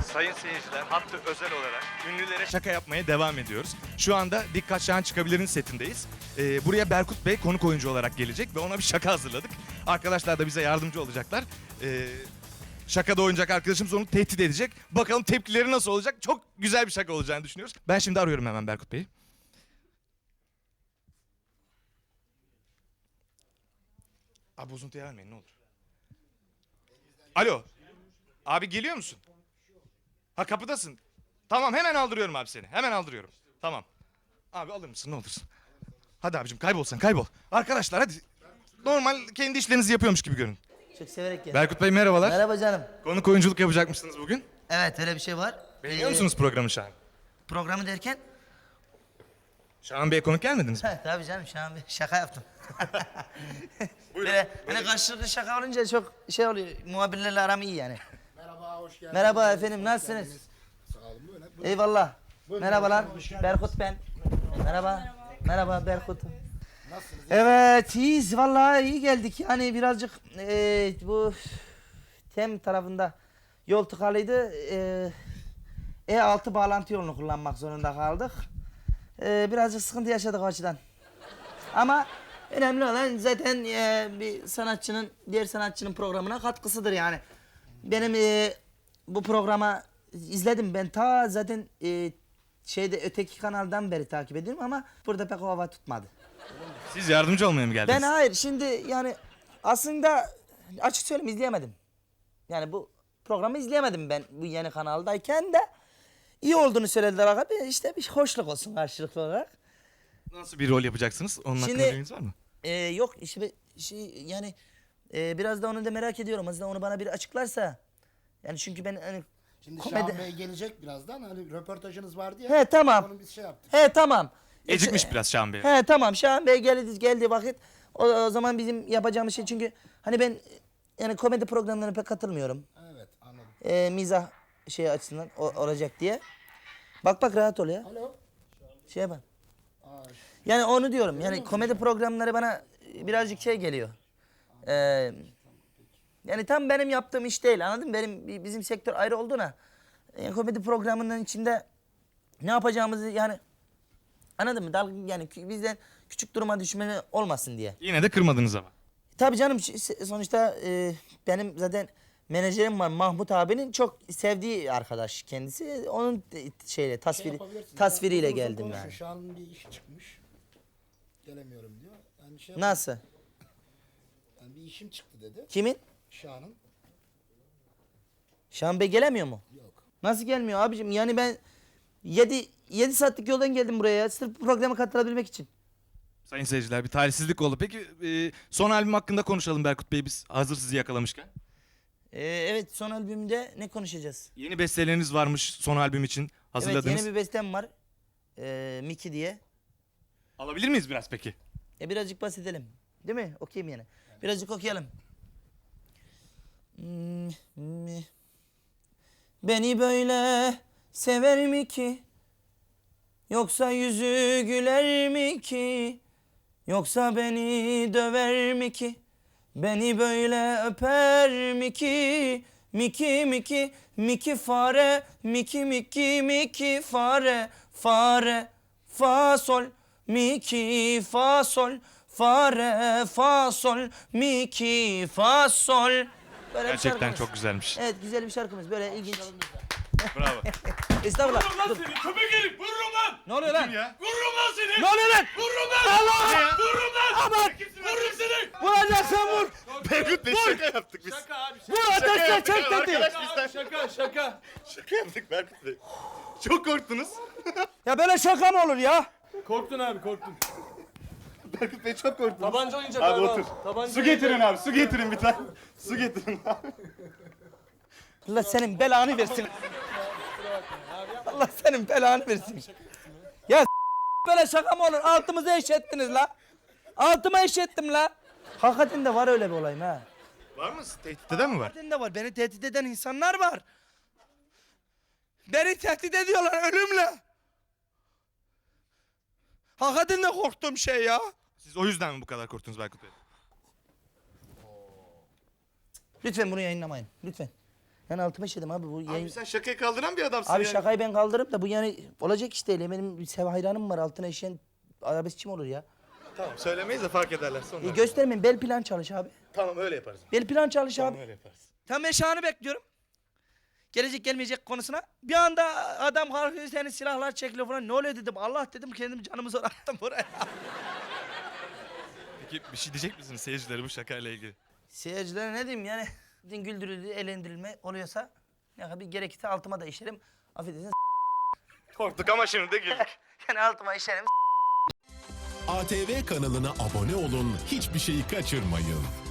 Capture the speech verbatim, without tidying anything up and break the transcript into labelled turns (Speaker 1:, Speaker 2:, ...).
Speaker 1: Sayın seyirciler, hatta özel olarak ünlülere şaka yapmaya devam ediyoruz. Şu anda Dikkat Şahan Çıkabilir'in setindeyiz. Ee, buraya Berkut Bey konuk oyuncu olarak gelecek ve ona bir şaka hazırladık. Arkadaşlar da bize yardımcı olacaklar. Ee, şakada oynayacak arkadaşımız onu tehdit edecek. Bakalım tepkileri nasıl olacak? Çok güzel bir şaka olacağını düşünüyoruz. Ben şimdi arıyorum hemen Berkut Bey'i. Abi bozuntuya vermeyin ne olur. Alo. Abi geliyor musun? Ha kapıdasın. Tamam hemen aldırıyorum abi seni. Hemen aldırıyorum. Tamam. Abi alır mısın ne olursun. Hadi abicim kaybol sen kaybol. Arkadaşlar hadi. Normal kendi işlerinizi yapıyormuş gibi görün.
Speaker 2: Çok severek geldim.
Speaker 1: Berkut Bey merhabalar.
Speaker 2: Merhaba canım.
Speaker 1: Konuk oyunculuk yapacakmışsınız bugün.
Speaker 2: Evet öyle bir şey var.
Speaker 1: Beğeniyor
Speaker 2: Ee,
Speaker 1: musunuz programı Şahan?
Speaker 2: Programı derken?
Speaker 1: Şahan Bey'e konuk gelmediniz mi?
Speaker 2: He tabii canım şu an bir şaka yaptım. Böyle hani karşılıklı şaka olunca çok şey oluyor. Muhabirlerle aram iyi yani.
Speaker 3: Merhaba, hoş geldiniz.
Speaker 2: Merhaba efendim nasılsınız?
Speaker 3: Sağ olun, böyle. Buyurun.
Speaker 2: Eyvallah.
Speaker 3: Buyurun,
Speaker 2: Merhabalar.
Speaker 3: hoş geldiniz.
Speaker 2: Berkut ben. Merhaba. Merhaba Berkut.
Speaker 3: Nasılsınız?
Speaker 2: Evet iyiyiz vallahi iyi geldik. Yani birazcık eee, bu Tem tarafında yol tıkalıydı. Eee E altı bağlantı yolunu kullanmak zorunda kaldık. Eee, birazcık sıkıntı yaşadık o açıdan. Ama önemli olan zaten eee, bir sanatçının diğer sanatçının programına katkısıdır yani. Benim eee, bu programa izledim ben ta zaten eee, şeyde öteki kanaldan beri takip ediyorum ama burada pek o hava tutmadı.
Speaker 1: Siz yardımcı olmaya mı geldiniz?
Speaker 2: Ben hayır şimdi yani aslında açık söyleyeyim izleyemedim. Yani bu programı izleyemedim ben bu yeni kanaldayken de iyi olduğunu söylediler abi işte bir hoşluk olsun karşılıklı olarak.
Speaker 1: Nasıl bir rol yapacaksınız? Onun hakkında
Speaker 2: Şimdi-
Speaker 1: bilginiz var mı?
Speaker 2: Ee, yok işte şey yani e, biraz da onu da merak ediyorum aslında onu bana biri açıklarsa. Yani çünkü ben hani
Speaker 3: Şimdi
Speaker 2: komedi-
Speaker 3: Şahan Bey gelecek birazdan. Hani röportajınız vardı ya.
Speaker 2: He tamam.
Speaker 3: Onun biz şey yaptık.
Speaker 2: He tamam.
Speaker 1: Gecikmiş
Speaker 2: E,
Speaker 1: biraz Şahan Bey.
Speaker 2: He tamam Şahan Bey geldi geldi vakit o, o zaman bizim yapacağımız şey çünkü hani ben yani komedi programlarına pek katılmıyorum.
Speaker 3: Evet, anladım.
Speaker 2: Ee, mizah şey açısından o- olacak diye. Bak bak rahat ol ya.
Speaker 3: Alo.
Speaker 2: Şeye bak.
Speaker 3: Aa,
Speaker 2: Yani onu diyorum. Yani komedi programları bana birazcık şey geliyor. Ee, yani tam benim yaptığım iş değil anladın mı? Benim bi- bizim sektör ayrı olduğuna. Yani komedi programının içinde ne yapacağımızı yani anladın mı? Dal, yani kü- bizden küçük duruma düşme olmasın diye.
Speaker 1: Yine de kırmadınız ama.
Speaker 2: Tabii canım ş- s- sonuçta e, benim zaten menajerim var Mahmut abinin çok sevdiği arkadaş kendisi. Onun de- şeyle
Speaker 3: şey
Speaker 2: tasviri
Speaker 3: yapabilirsiniz.
Speaker 2: tasviriyle
Speaker 3: Uzun uzun
Speaker 2: geldim
Speaker 3: konuşun.
Speaker 2: yani.
Speaker 3: Şahan'ın bir işi çıkmış. Gelemiyorum diyor. Yani şey
Speaker 2: Nasıl?
Speaker 3: Yani bir işim çıktı dedi.
Speaker 2: Kimin?
Speaker 3: Şahan'ın.
Speaker 2: Şahan Bey gelemiyor mu?
Speaker 3: Yok.
Speaker 2: Nasıl gelmiyor abicim? Yani ben yedi yedi saatlik yoldan geldim buraya sırf bu programa katılabilmek için.
Speaker 1: Sayın seyirciler bir talihsizlik oldu. Peki e, son albüm hakkında konuşalım Berkut Bey biz hazır sizi yakalamışken.
Speaker 2: Ee, evet son albümde ne konuşacağız?
Speaker 1: Yeni besteleriniz varmış son albüm için hazırladınız.
Speaker 2: Evet yeni bir bestem var. Ee, Miki diye.
Speaker 1: Alabilir miyiz biraz peki?
Speaker 2: E birazcık bahsedelim. Değil mi? Okuyayım yani. Birazcık okuyalım. Hmm, hmm. Beni böyle sever mi ki? Yoksa yüzü güler mi ki? Yoksa beni döver mi ki? Beni böyle öper mi ki? Miki miki miki fare miki miki miki fare fare fa sol miki fa sol fare fa sol miki fa sol. Böyle bir
Speaker 1: Gerçekten
Speaker 2: şarkımız.
Speaker 1: çok güzelmiş.
Speaker 2: Evet güzel bir şarkımız böyle ilginç.
Speaker 1: Bravo.
Speaker 2: Estağfurullah.
Speaker 4: Vururum lan
Speaker 2: Dur.
Speaker 4: seni köpek herif vururum lan.
Speaker 2: Ne oluyor lan?
Speaker 1: ya?
Speaker 4: Vururum lan seni.
Speaker 2: Ne oluyor lan?
Speaker 4: Vururum lan.
Speaker 2: Allah!
Speaker 4: Vururum lan.
Speaker 2: Aman!
Speaker 4: Vururum seni.
Speaker 2: Vuracaksan vur.
Speaker 1: Berkut Bey şaka yaptık biz.
Speaker 4: Şaka abi şaka.
Speaker 2: Vur ateşle çek dedi.
Speaker 4: Şaka, şaka şaka.
Speaker 1: Şaka yaptık Berkut Bey. Çok korktunuz.
Speaker 2: Ya böyle şaka mı olur ya?
Speaker 4: Korktun abi korktun.
Speaker 1: Berkut Bey çok korktunuz.
Speaker 4: Tabanca oyuncak
Speaker 1: Abi
Speaker 4: abi.
Speaker 1: otur.
Speaker 4: Tabanca
Speaker 1: Su getirin abi su getirin bir tane. Su getirin abi.
Speaker 2: Allah senin belanı versin. Allah senin belanı versin. Ya s- böyle şaka mı olur? Altımızı eşettiniz la. Altıma eşettim la. Hakikaten de var öyle bir olay ha.
Speaker 1: Var mı? Tehdit eden mi var?
Speaker 2: Hakikaten de var. Beni tehdit eden insanlar var. Beni tehdit ediyorlar ölümle. Hakikaten de korktuğum şey ya.
Speaker 1: Siz o yüzden mi bu kadar korktunuz Berkut Bey?
Speaker 2: Lütfen bunu yayınlamayın. Lütfen. Ben altıma işedim abi bu yayın...
Speaker 1: Abi sen şakayı kaldıran bir adamsın
Speaker 2: Abi
Speaker 1: yani.
Speaker 2: şakayı ben kaldırıp da bu yani olacak iş değil. Benim bir sev hayranım var altına işeyen arabeskçi mi olur ya?
Speaker 1: Tamam söylemeyiz de fark ederler sonra.
Speaker 2: E, göstermeyin bel plan çalış abi.
Speaker 1: Tamam öyle yaparız.
Speaker 2: Bel plan çalış
Speaker 1: Tamam
Speaker 2: abi.
Speaker 1: öyle yaparız.
Speaker 2: Tam ben Şahan'ı bekliyorum. Gelecek gelmeyecek konusuna. Bir anda adam kalkıyor senin silahlar çekiliyor falan. Ne oluyor dedim. Allah dedim kendim canımı zor attım buraya.
Speaker 1: Peki bir şey diyecek misiniz seyircilere bu şakayla ilgili?
Speaker 2: Seyircilere ne diyeyim yani. Güldürüldü, eğlendirilme oluyorsa ya bir gerekirse altıma da işerim. Affedersiniz
Speaker 1: Korktuk ama şimdi de güldük.
Speaker 2: yani altıma işerim.
Speaker 5: A T V kanalına abone olun, hiçbir şeyi kaçırmayın.